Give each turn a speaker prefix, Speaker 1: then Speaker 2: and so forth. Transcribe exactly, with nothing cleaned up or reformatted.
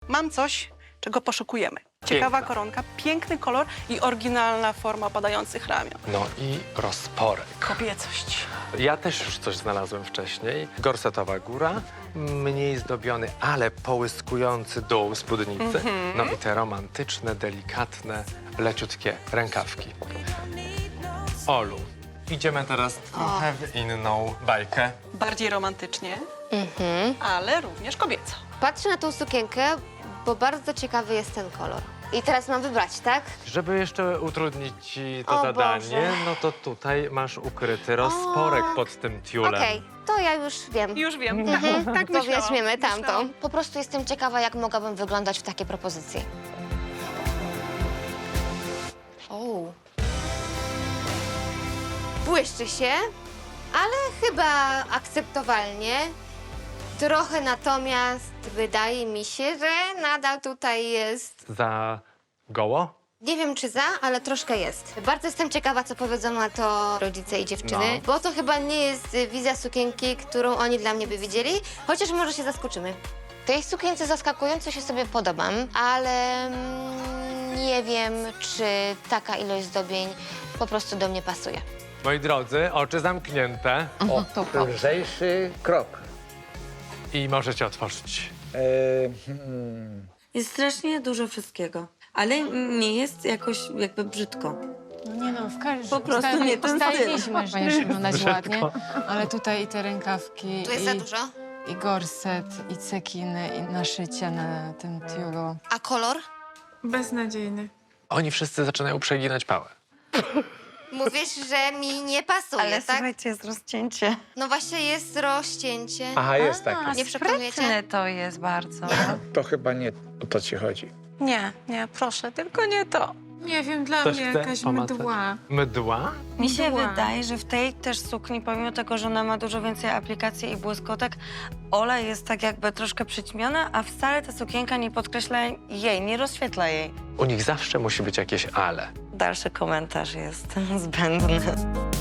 Speaker 1: mam coś, czego poszukujemy. Ciekawa
Speaker 2: Piękna.
Speaker 1: koronka, piękny kolor i oryginalna forma opadających ramion.
Speaker 2: No i rozporek.
Speaker 1: Kobiecość.
Speaker 2: Ja też już coś znalazłem wcześniej. Gorsetowa góra, mniej zdobiony, ale połyskujący dół spódnicy. No i te romantyczne, delikatne, leciutkie rękawki. Olu, idziemy teraz trochę w inną bajkę.
Speaker 1: Bardziej romantycznie,
Speaker 3: Mhm.
Speaker 1: ale również kobieco.
Speaker 3: Patrzę na tą sukienkę, bo bardzo ciekawy jest ten kolor. I teraz mam wybrać, tak?
Speaker 2: Żeby jeszcze utrudnić ci to
Speaker 3: O
Speaker 2: zadanie,
Speaker 3: Boże.
Speaker 2: no to tutaj masz ukryty rozporek pod tym tiulem.
Speaker 3: Okej, to ja już wiem.
Speaker 1: Już wiem,
Speaker 3: Mhm.
Speaker 1: tak
Speaker 3: To
Speaker 1: myślałam.
Speaker 3: weźmiemy tamtą.
Speaker 1: Myślałam.
Speaker 3: Po prostu jestem ciekawa, jak mogłabym wyglądać w takiej propozycji. O. Błyszczy się, ale chyba akceptowalnie. Trochę natomiast wydaje mi się, że nadal tutaj jest.
Speaker 2: Za goło?
Speaker 3: Nie wiem czy za, ale troszkę jest. Bardzo jestem ciekawa, co powiedzą na to rodzice i dziewczyny,
Speaker 2: No.
Speaker 3: bo to chyba nie jest y, wizja sukienki, którą oni dla mnie by widzieli, chociaż może się zaskoczymy. Tej sukience zaskakująco się sobie podobam, ale mm, nie wiem, czy taka ilość zdobień po prostu do mnie pasuje.
Speaker 2: Moi drodzy, oczy zamknięte
Speaker 4: O, lżejszy krok.
Speaker 2: i możecie otworzyć.
Speaker 4: E, hmm.
Speaker 5: Jest strasznie dużo wszystkiego, ale nie jest jakoś jakby brzydko.
Speaker 6: No nie no, w każdym
Speaker 5: Po prostu nie ten
Speaker 6: ustaliliśmy, że będziesz wyglądać
Speaker 2: Brzydko.
Speaker 6: ładnie, ale tutaj i te rękawki,
Speaker 3: Tu jest
Speaker 6: i,
Speaker 3: za dużo.
Speaker 6: i gorset, i cekiny, i naszycia na tym tiulu.
Speaker 3: A kolor?
Speaker 7: Beznadziejny.
Speaker 2: Oni wszyscy zaczynają przeginać pałę.
Speaker 3: Mówisz, że mi nie pasuje,
Speaker 5: Ale
Speaker 3: tak?
Speaker 5: słuchajcie, jest rozcięcie.
Speaker 3: No właśnie jest rozcięcie.
Speaker 4: Aha, jest taki.
Speaker 3: Nie przekonujecie?
Speaker 5: Sprytne to jest bardzo.
Speaker 4: To chyba nie o to ci chodzi.
Speaker 5: Nie, nie, proszę, tylko nie to.
Speaker 7: Nie wiem, dla
Speaker 2: Ktoś
Speaker 7: mnie
Speaker 2: chce
Speaker 7: jakaś
Speaker 2: pomacać?
Speaker 7: mdła.
Speaker 2: Mdła?
Speaker 5: Mi się
Speaker 7: Mdła.
Speaker 5: wydaje, że w tej też sukni, pomimo tego, że ona ma dużo więcej aplikacji i błyskotek, Ola jest tak jakby troszkę przyćmiona, a wcale ta sukienka nie podkreśla jej, nie rozświetla jej.
Speaker 2: U nich zawsze musi być jakieś ale.
Speaker 5: Dalszy komentarz jest zbędny.